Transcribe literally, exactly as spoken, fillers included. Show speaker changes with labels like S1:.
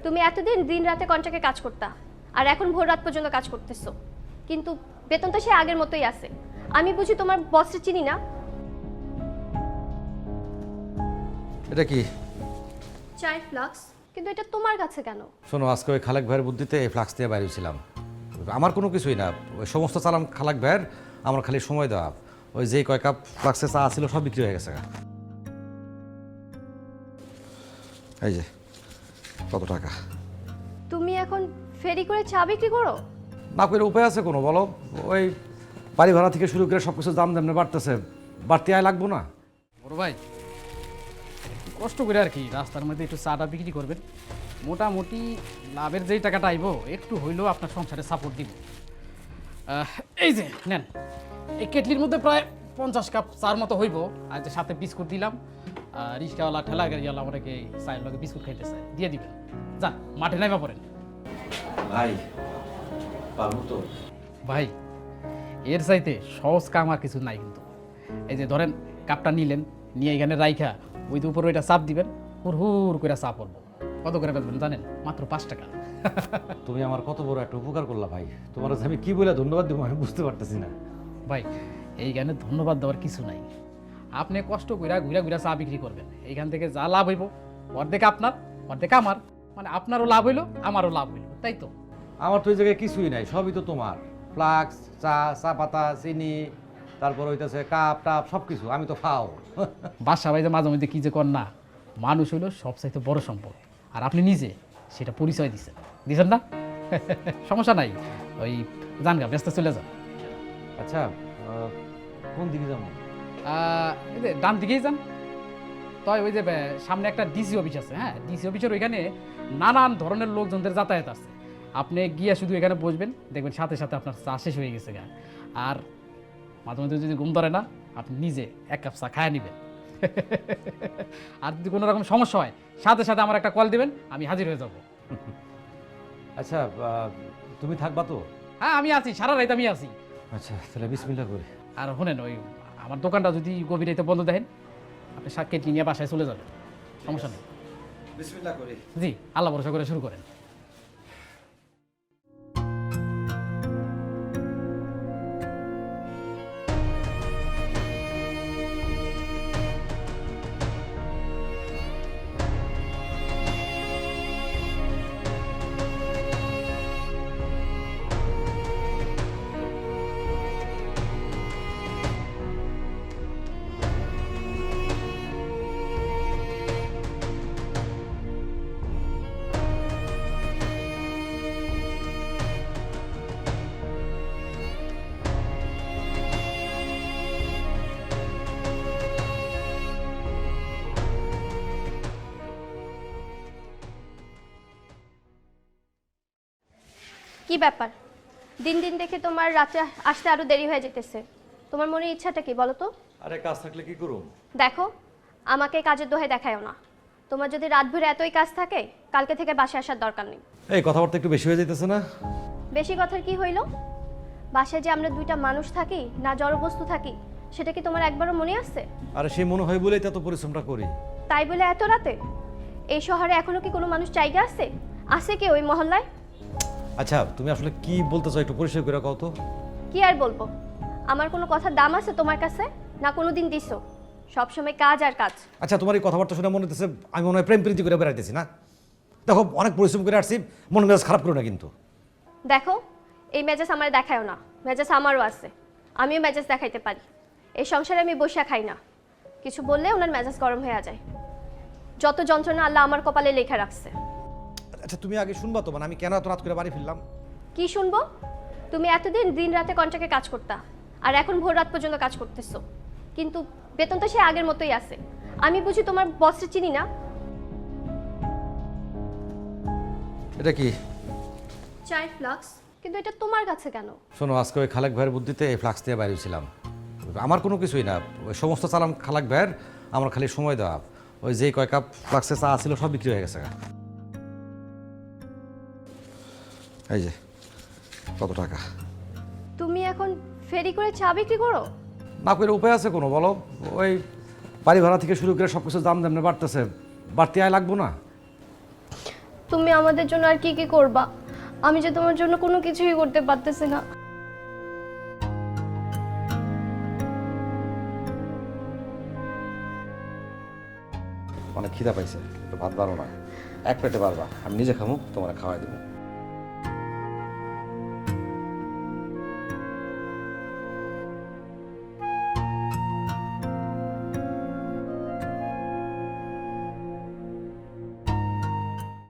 S1: তুমি এতদিন দিন রাতে কন্ট্রাক্টে কাজ করতা, আর এখন ভোর রাত পর্যন্ত কাজ করতেছো, কিন্তু বেতন তো সে আগের মতোই আছে। আমি বুঝি তোমার বসকে চিনি না?
S2: এটা কি?
S1: চাই ফ্লাক্স, কিন্তু এটা তোমার কাছে কেন?
S2: শোনো, আজকে ওই খালেক ভাইয়ের বুদ্ধিতে এই ফ্লাক্স দিয়ে বাইরেছিলাম। আমার কোনো কিছুই না, ওই সমস্ত চালাম খালেক ভাইয়ের, আমার খালি সময় দেওয়া। ওই যেই কয় কাপ ফ্লাক্সে চা ছিল সব বিক্রি হয়ে গেছে। এই যে কত টাকা।
S1: তুমি এখন ফেরি করে চা বিক্রি করো?
S2: না করে উপায় আছে কোনো বলো? ওই বাড়ি ভাড়া থেকে শুরু করে সব কিছু দাম দাম বাড়তেছে, বাড়তি আয় লাগবো না?
S3: বড় ভাই, একটু কষ্ট করে আর কি রাস্তার মধ্যে একটু চাটা বিক্রি করবেন। মোটামুটি লাভের যেই টাকাটা আইব একটু হইলেও আপনার সংসারে সাপোর্ট দিব। এই যে নেন, এই কেটলির মধ্যে প্রায় পঞ্চাশ কাপ চার মতো হইব। আর যে সাথে বিস্কুট দিলাম, রিক্সাওয়ালা ঠেলা গাড়িওয়ালা আমাকে চায়ের লগে বিস্কুট খাইতে চায়, দিয়ে দিবেন। যান মাঠে নাইবা পড়েন।
S2: ভাই পারবো তো?
S3: ভাই এর চাইতে সহজ কাম আর কিছু নাই কিন্তু। এই যে ধরেন কাপটা নিলেন, নিয়ে এখানে রাইখা ওই যে উপরে ওইটা চাপ দিবেন, হুর হুর করে চাপ পড়বো। কত করে বেচবেন জানেন? মাত্র পাঁচ টাকা।
S2: তুমি আমার কত বড় একটা উপকার করলা ভাই, তোমার আমি কি বলে ধন্যবাদ দেবো আমি বুঝতে পারতেছি না।
S3: ভাই এইখানে ধন্যবাদ দেওয়ার কিছু নাই। আপনি কষ্ট কইরা ঘুরা ঘুরা চা বিক্রি করবেন, এইখান থেকে যা লাভ হইব অর্ধেক আপনার অর্ধেক আমার, মানে আপনারও লাভ হইলো আমারও লাভ হইলো, তাই তো?
S2: আমার তো এই জায়গায় কিছুই নাই, সবই তো তোমার। ফ্লাক্স, চা, চা পাতা, চিনি, তারপর হইতেছে কাপ টাপ সব কিছু, আমি তো খাও।
S3: বাসা ভাই যে মাঝে মধ্যে কী যে কর না, মানুষ হইলো সবচাইতে বড় সম্পদ, আর আপনি নিজে সেটা পরিচয় দিচ্ছেন, দিচ্ছেন না? সমস্যা নাই, ওই যান গা, ব্যস্ত চলে যান।
S2: আচ্ছা আহ, কোন দিকে যাবো?
S3: আহ, এই যে ডান দিকেই যান। তাই ওই যে বে- সামনে একটা ডিসি অফিস আছে, হ্যাঁ ডিসি অফিসের ওইখানে নানান ধরনের লোকজনদের যাতায়াত আছে। আপনি গিয়ে শুধু এখানে বসবেন, দেখবেন সাথে সাথে আপনার চা শেষ হয়ে গেছে গা। আর মাঝে মধ্যে যদি ঘুম ধরে না, আপনি নিজে এক কাপ চা খায় নেবেন। আর যদি কোনো রকম সমস্যা হয় সাথে সাথে আমার একটা কল দিবেন, আমি হাজির হয়ে যাব।
S2: আচ্ছা আহ, তুমি থাকবা তো?
S3: হ্যাঁ আমি আছি, সারা রাত আমি আছি।
S2: আচ্ছা তাহলে বিসমিল্লাহ করি।
S3: আর শোনেন, ওই আমার দোকানটা যদি গভীর রাতে বন্ধ দেখেন, আপনি শাক কেটে নিয়ে বাসায় চলে যাবেন, সমস্যা নেই।
S2: বিসমিল্লাহ করি।
S3: জি, আল্লাহ ভরসা করে শুরু করেন।
S1: কি ব্যাপার? দিন দিন দেখে তোমার রাতে আসতে আরো দেরি হয়ে যেতেছে। তোমার মনের ইচ্ছাটা কি বলো তো?
S2: আরে কাজ থাকলে কি করুম?
S1: দেখো, আমাকে কাজের দোহাই দেখায়ও না। তোমার যদি রাত ভরে এতই কাজ থাকে, কালকে থেকে বাসায় আসার দরকার নেই।
S2: এই কথাবার্তা একটু বেশি হয়ে যাইতেছে না?
S1: বেশি কথার কি হইল? বাসায় যে আমরা দুইটা মানুষ থাকি না জড়বস্তু থাকি, সেটা কি তোমার একবারও মনে আছে?
S2: আরে সে মনে হয় বলেই তো এত পরিশ্রমটা করি।
S1: তাই বলে এত রাতে? এই শহরে এখনো কি কোনো মানুষ জায়গা আছে? আছে কি ওই মহল্লায়?
S2: আচ্ছা তুমি আসলে কি বলতে চাও একটু পরিষ্কার করে কও তো।
S1: কি আর বলবো? আমার কোনো কথার দাম আছে তোমার কাছে? না কোনোদিন দিছো? সবসময় কাজ আর কাজ।
S2: আচ্ছা তোমার এই কথাবার্তা শুনে মনে হচ্ছে আমি মনে হয় প্রেম প্রীতি করে বেড়াইতেছি না? দেখো অনেক পরিশ্রম করে আসছি, মন মেজাজ খারাপ করো না কিন্তু।
S1: দেখো, এই মেজাজ আমার দেখায়ও না, মেজাজ আমারও আছে, আমিও মেজাজ দেখাইতে পারি। এই সংসারে আমি বসে খাই না, কিছু বললে ওনার মেজাজ গরম হয়ে যায়। যত যন্ত্রণা আল্লাহ আমার কপালে লেখা রাখছে।
S2: আচ্ছা তুমি আগে শুনবা তো, মানে আমি কেন এত রাত করে বাড়ি ফিরলাম?
S1: কি শুনবো? তুমি এতদিন দিন রাতে কন্ট্রাক্টে কাজ করতা, আর এখন ভোর রাত পর্যন্ত কাজ করতেছো, কিন্তু বেতন তো সে আগের মতোই আছে। আমি বুঝি তোমার বসকে চিনি না?
S2: এটা কি?
S1: চাই ফ্লাক্স, কিন্তু এটা তোমার কাছে কেন?
S2: শোনো, আজকে ওই খালেক ভাইয়ের বুদ্ধিতে এই ফ্লাক্স দিয়ে বাইরেছিলাম। আমার কোনো কিছুই না, ওই সমস্ত চালাম খালেক ভাইয়ের, আমার খালি সময় দেওয়া। ওই যেই কয় কাপ ফ্লাক্সে চা ছিল সব বিক্রি হয়ে গেছে। এই যে কত টাকা।
S1: তুমি এখন ফেরি করে চা বিক্রি করো?
S2: না করে উপায় আছে কোনো বলো? ওই বাড়ি ভাড়া থেকে শুরু করে সব কিছু দাম দাম বাড়তেছে, বাড়তি আয় লাগবো না?
S1: তুমি আমাদের জন্য আর কি কি করবা? আমি যে তোমার জন্য কোনো কিছুই করতে পারতেছি না।
S2: অনেক খিদা পাইছে, একটু ভাত বাড়ো না, এক পেটে পারবা, আমি নিজে খামু, তোমার খাওয়াই দেবো।